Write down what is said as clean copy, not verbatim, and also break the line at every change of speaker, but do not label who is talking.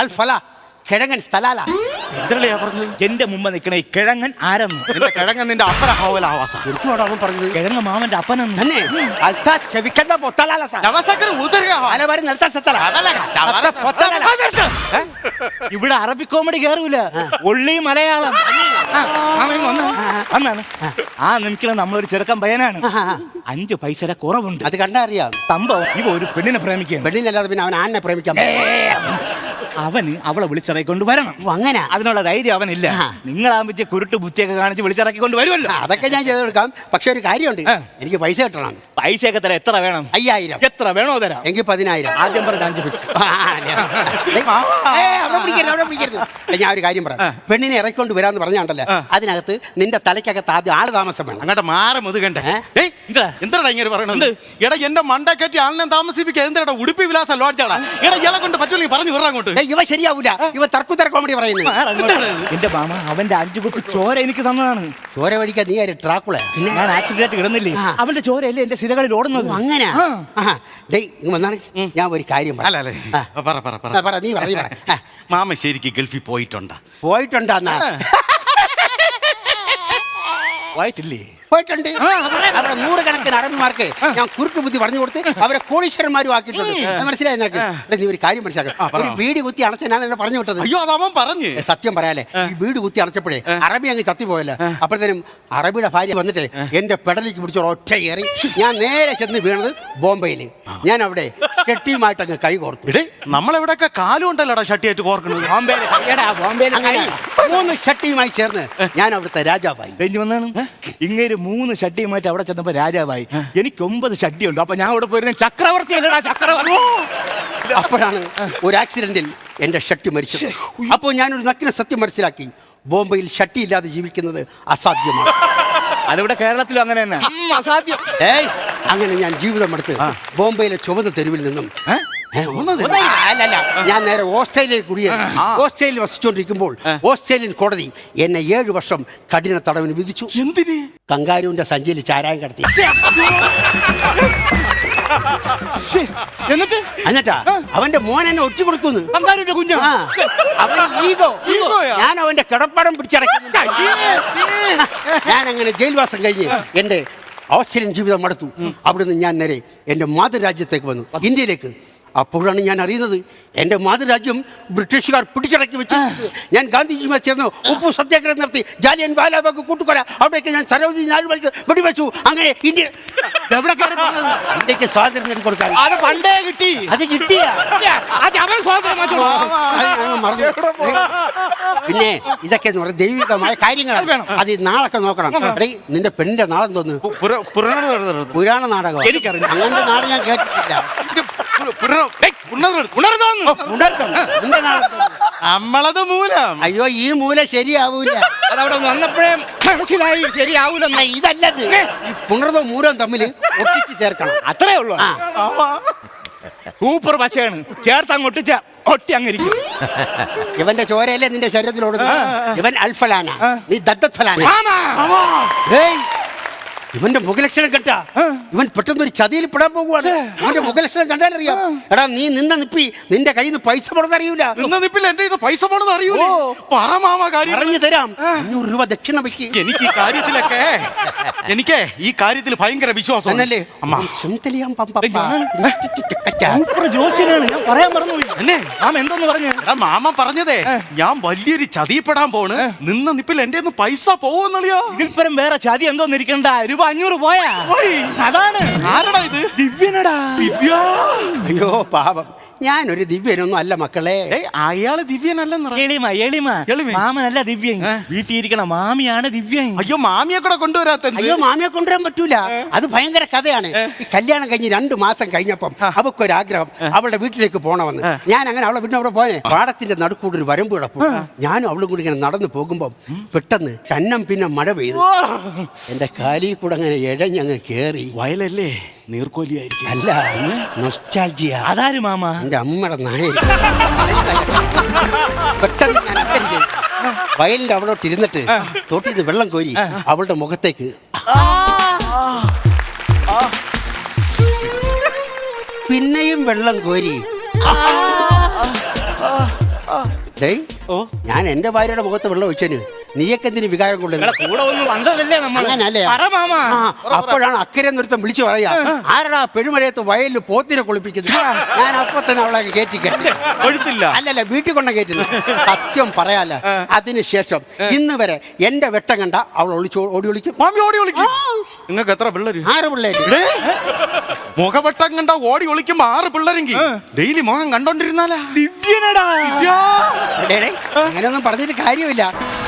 അൽഫല കിഴങ്ങൻ സ്ഥലാല.
എന്തരളിയാ പറഞ്ഞത്?
എന്റെ മുമ്പ് നിൽക്കണേ കിഴങ്ങൻ ആരെന്ന്.
എന്റെ കിഴങ്ങൻ നിന്റെ അപ്പന ഹോവലാവാസ.
എന്തുവാണ് അവൻ പറഞ്ഞത്?
കിഴങ്ങ് മാമന്റെ അപ്പനെന്ന്.
തന്നെ അൽത്താ ചെവിക്കണ്ട പൊത്തലാല സാർ.
നവസക്കര ഊതരുക.
അലവരി നിർത്താൻ സത്തല.
ഇവിടെ അറബി കോമഡി കേറൂല, ഒള്ളി മലയാളം. വന്നാണ് ആ നിൽക്കണ നമ്മളൊരു ചെറുക്കൻ പയ്യനാണ്. 5 പൈസ കുറവുണ്ട്.
അത് കണ്ടാ അറിയാം.
സംഭവം ഇവ ഒരു പെണ്ണിനെ പ്രേമിക്കുകയാണ്.
പെണ്ണിനല്ലാതെ പിന്നെ അവൻ ആണിനെ പ്രേമിക്കാൻ.
അവന് അവളെ വിളിച്ചിറക്കിക്കൊണ്ട് വരണം.
അങ്ങനെ
അതിനുള്ള ധൈര്യം അവനില്ല. നിങ്ങളാകുമ്പോ കുരുട്ട് ബുദ്ധിയൊക്കെ കാണിച്ച് വിളിച്ചിറക്കിക്കൊണ്ട് വരുമല്ലോ.
അതൊക്കെ ഞാൻ ചെയ്ത് കൊടുക്കാം. പക്ഷെ ഒരു കാര്യമുണ്ട്, എനിക്ക് പൈസ കിട്ടണം.
പൈസയൊക്കെ തരാം. എത്ര വേണം?
5000.
എത്ര വേണോ തരാം.
എങ്കിൽ 10000.
ആദ്യം പറഞ്ഞ 5 ഫിക്സ്.
ഞാൻ ഒരു കാര്യം പറയാം. പെണ്ണിനെ ഇറക്കിക്കൊണ്ട് വരാന്ന് പറഞ്ഞാണ്ടല്ലോ, അതിനകത്ത് നിന്റെ തലയ്ക്കകത്ത് ആദ്യം ആള് താമസം വേണം.
അങ്ങോട്ട് മാറി മുതുകണ്ടേ. എന്താടാ ഇങ്ങനെ പറയണത്? എടാ എന്റെ മണ്ട കയറ്റി ആളിനെ താമസിപ്പിക്കുക. എന്താ ഉടുപ്പി വിലാസ ലോഡ്ജാടാ. എടാ ഇയാളെ കൊണ്ട് പറ്റൂലെങ്കിൽ പറഞ്ഞു വിടാ അങ്ങോട്ട്.
ഇവ ശരിയാവൂല. ഇവ തർക്കുത്തര കോമഡി പറയുന്നു.
എന്റെ മാമ അവന്റെ 5 കുപ്പി ചോര എനിക്ക് തന്നതാണ്.
ചോര വടിക്കാൻ നീ ആര് ട്രാക്കുള?
ഞാൻ ആക്സിഡന്റ് കിടന്നില്ലേ, അവന്റെ ചോരയല്ലേ എന്റെ സിരകളിൽ ഓടുന്നത്.
അങ്ങനെ വന്നാണ്. ഞാൻ ഒരു കാര്യം
അല്ല
നീ പറ.
മാമ ശരിക്ക് ഗൾഫിൽ പോയിട്ടുണ്ടാ?
പോയിട്ടുണ്ടാ?
പോയിട്ടില്ലേ?
പോയിട്ടുണ്ട്. അവിടെ 100 കണക്കിന് അറബിമാർക്ക് ഞാൻ കുരുട്ട് ബുദ്ധി പറഞ്ഞു കൊടുത്ത് അവരെ കോടീശ്വരന്മാരും ആക്കിയിട്ടുണ്ട്. മനസ്സിലായി നിനക്ക്? നീ ഒരു കാര്യം മനസ്സിലാക്കണം. ഒരു വീട് കുത്തി അണച്ച ഞാൻ എന്നെ പറഞ്ഞു വിട്ടത്.
അയ്യോ അതവൻ പറഞ്ഞു.
സത്യം പറയാലേ, ഈ വീട് കുത്തി അണച്ചപ്പോഴേ അറബി അങ്ങ് ചത്തിപ്പോയല്ലോ. അപ്പോഴത്തേനും അറബിയുടെ ഭാര്യ വന്നിട്ട് എന്റെ പെടലിക്ക് പിടിച്ച ഒറ്റ കയറി. ഞാൻ നേരെ ചെന്ന് വീണത് ബോംബെയില്. ഞാൻ അവിടെ ഷട്ടിയുമായിട്ട് അങ്ങ് കൈ കോർത്തു.
നമ്മളെവിടെയൊക്കെ കാലും ഉണ്ടല്ലോടാ ഷട്ടിയായിട്ട് കോർക്കുന്നത്.
അങ്ങനെ 3 ഷട്ടിയുമായി ചേർന്ന് ഞാൻ അവിടുത്തെ രാജാവായി.
ഇങ്ങനെ 3 ഷട്ടിയുമായിട്ട് അവിടെ ചെന്നപ്പോ രാജാവായി. എനിക്ക് 9 ഷട്ടിയുണ്ട്. അപ്പൊ ഞാൻ അവിടെ പോയിരുന്ന ചക്രവർത്തി അല്ലടാ, ചക്രവർത്തി.
അപ്പോഴാണ് ഒരു ആക്സിഡന്റിൽ എന്റെ ഷട്ടി മരിച്ചത്. അപ്പോൾ ഞാനൊരു നക്കിനെ സത്യം മനസ്സിലാക്കി. ബോംബെയിൽ ഷട്ടി ഇല്ലാതെ ജീവിക്കുന്നത് അസാധ്യമാണ്.
അതിവിടെ കേരളത്തിലും അങ്ങനെ തന്നെ അസാധ്യം.
അങ്ങനെ ഞാൻ ജീവിതം എടുത്ത് ബോംബെയിലെ ചുവന്ന തെരുവിൽ നിന്നും അല്ലല്ല, ഞാൻ നേരെ ഓസ്ട്രേലിയയിൽ കുടിയേറി. ഓസ്ട്രേലിയ വസിച്ചുകൊണ്ടിരിക്കുമ്പോൾ ഓസ്ട്രേലിയൻ കോടതി എന്നെ 7 വർഷം കഠിന തടവിന് വിധിച്ചു.
എന്തിന്?
കങ്കാരുവിന്റെ സഞ്ചിയിൽ ചാരായം കടത്തി. എന്നിട്ടാ അവന്റെ മോൻ എന്നെ ഒറ്റ കൊടുത്തു.
കുഞ്ഞ്
അവൻ ഈഗോ. ഞാൻ അവന്റെ കിടപ്പാടം പിടിച്ചടക്കുന്നു. ഞാൻ അങ്ങനെ ജയിൽവാസം കഴിഞ്ഞ് എന്റെ ഓസ്ട്രേലിയൻ ജീവിതം മടുത്തു. അവിടുന്ന് ഞാൻ നേരെ എന്റെ മാതൃരാജ്യത്തേക്ക് വന്നു, ഇന്ത്യയിലേക്ക്. അപ്പോഴാണ് ഞാൻ അറിയുന്നത് എൻ്റെ മാതൃരാജ്യം ബ്രിട്ടീഷുകാർ പിടിച്ചടക്കി വെച്ച്. ഞാൻ ഗാന്ധിജിയുമായി ചേർന്ന് ഉപ്പു സത്യാഗ്രഹം നടത്തി. ജാലിയൻ വാലാബാഗ് കൂട്ടുകൊല, അവിടേക്ക് ഞാൻ സരോജിനി നായിഡു വെടിവെച്ചു. അങ്ങനെ ഇന്ത്യക്ക് സ്വാതന്ത്ര്യം നേടിക്കൊടുക്കാൻ
അത് പണ്ടേ കിട്ടി.
അത് കിട്ടിയ പിന്നെ ഇതൊക്കെ എന്ന് പറഞ്ഞാൽ ദൈവികമായ കാര്യങ്ങളാണ്. അത് നാളൊക്കെ നോക്കണം. നിന്റെ പെണ്ണിന്റെ നാളെ തോന്നുന്നു പുരാണ നാടകം. അങ്ങനത്തെ നാട് ഞാൻ കേട്ടിട്ടില്ല.
നമ്മളത് മൂലം.
അയ്യോ ഈ മൂല ശരിയാവൂല.
അതവിടെ വന്നപ്പോഴേ മനസ്സിലായി ശരിയാവൂലെന്ന്.
ഇതല്ലത്, പുണർന്നോ മൂലം തമ്മിൽ ഒട്ടിച്ച് ചേർക്കണം.
അത്രേ ഉള്ളൂ. സൂപ്പർ പച്ചയാണ്. ചേർത്ത് അങ്ങോട്ട് ഒട്ടി അങ്ങിരിക്കും.
ഇവന്റെ ചോരയല്ലേ നിന്റെ ശരീരത്തിലോടുന്നത്. ഇവൻ അൽഫലാന, നീ ദത്തഫലാന. ഇവന്റെ മുഖലക്ഷണം കണ്ടാ ഇവൻ പെട്ടെന്നൊരു ചതിയിൽ പെടാൻ പോകുവാണ്. ഇവന്റെ മുഖലക്ഷണം കണ്ടാലറിയാം. എടാ നീ നിന്ന നിപ്പി നിന്റെ കയ്യിൽ നിന്ന് പൈസ പോണെന്ന് അറിയൂല.
പൈസ പോണെന്ന് അറിയൂല.
പറഞ്ഞു തരാം. 500 രൂപ ദക്ഷിണ വെക്ക്.
എനിക്ക് ഈ കാര്യത്തിൽ ഭയങ്കര വിശ്വാസം. മാമ പറഞ്ഞതേ ഞാൻ വലിയൊരു ചതിപ്പെടാൻ പോണ്. നിന്ന നിപ്പിൽ എന്റെ പൈസ പോവെന്നറിയോ.
ഇതിൽ പരം വേറെ ചതി എന്തോന്ന് ഇരിക്കണ്ട. രൂപ 500 പോയാ.
അതാണ്. ആരടാ ഇത്?
ദിവ്യനടാ. ദിവ്യ.
അയ്യോ പാപം, ഞാനൊരു ദിവ്യനൊന്നും അല്ല മക്കളെ.
അയാള് ദിവ്യനല്ലെന്ന്.
മാമനല്ല ദിവ്യൻ. വീട്ടിൽ ഇരിക്കണ മാമിയാണ് ദിവ്യൻ.
അയ്യോ മാമിയെ കൂടെ കൊണ്ടുവരാത്ത.
അയ്യോ മാമിയെ കൊണ്ടുവരാൻ പറ്റൂല. അത് ഭയങ്കര കഥയാണ്. ഈ കല്യാണം കഴിഞ്ഞ് 2 മാസം കഴിഞ്ഞപ്പം അവക്കൊരാഗ്രഹം അവളുടെ വീട്ടിലേക്ക് പോണമെന്ന്. ഞാൻ അങ്ങനെ അവളെ വീട്ടിൽ അവിടെ പോയെ. പാടത്തിന്റെ നടുക്കൂടെ ഒരു വരമ്പ് കിടപ്പും. ഞാനും അവളും കൂടി ഇങ്ങനെ നടന്നു പോകുമ്പം പെട്ടെന്ന് ചന്നം പിന്നെ മഴ പെയ്തു. എന്റെ കാലിൽ കൂടെ അങ്ങനെ ഇഴഞ്ഞങ്ങ് കേറി.
വയലല്ലേ, നീർക്കോലിയായിരിക്കും.
അല്ല, നൊസ്റ്റാൾജിയ.
അതാര് മാമ?
എന്റെ അമ്മയുടെ നായ. പെട്ടെന്ന് ഞാൻ അക്കരെ വയലിന്റെ അവളോട്ട് ഇരുന്നിട്ട് തൊട്ടിന്ന് വെള്ളം കോരി അവളുടെ മുഖത്തേക്ക്. പിന്നെയും വെള്ളം കോരി. ഡേയ്
ഓ
ഞാൻ എന്റെ ഭാര്യയുടെ മുഖത്ത് വെള്ളം ഒഴിച്ചതിന് നീയൊക്കെ എന്തിന് വികാരം കൊള്ളുന്നു?
കൂടെ ഒന്ന് വന്നതല്ലേ നമ്മൾ
അങ്ങനല്ലേ?
മാമാ
അപ്പോഴാണ് അക്കരെ നൃത്തം വിളിച്ചു പറയാ, ആരടാ പെരുമഴയത്ത് വയലിൽ പോത്തിനെ കുളിപ്പിക്കുന്നത്? ഞാൻ അപ്പൊ തന്നെ അവളെ കയറ്റി കെട്ടി.
കൊഴുത്തില്ല.
അല്ലല്ല, വീട്ടിൽ കൊണ്ട കയറ്റുന്നു. സത്യം പറയാല, അതിനുശേഷം ഇന്ന് വരെ എന്റെ വെട്ടം കണ്ട അവൾ ഓടി ഒളിക്കും.
മാമി ഓടി ഒളിക്കും. നിങ്ങൾക്ക് എത്ര പിള്ളേര്? 6
പിള്ളേര്.
മുഖവട്ടം കണ്ട ഓടി ഒളിക്കുമ്പോ 6 പിള്ളേരെങ്കിൽ ഡെയിലി മുഖം കണ്ടോണ്ടിരുന്നാലാ
ദിവ്യനടാ.
അങ്ങനെയൊന്നും പറഞ്ഞിട്ട് കാര്യമില്ല.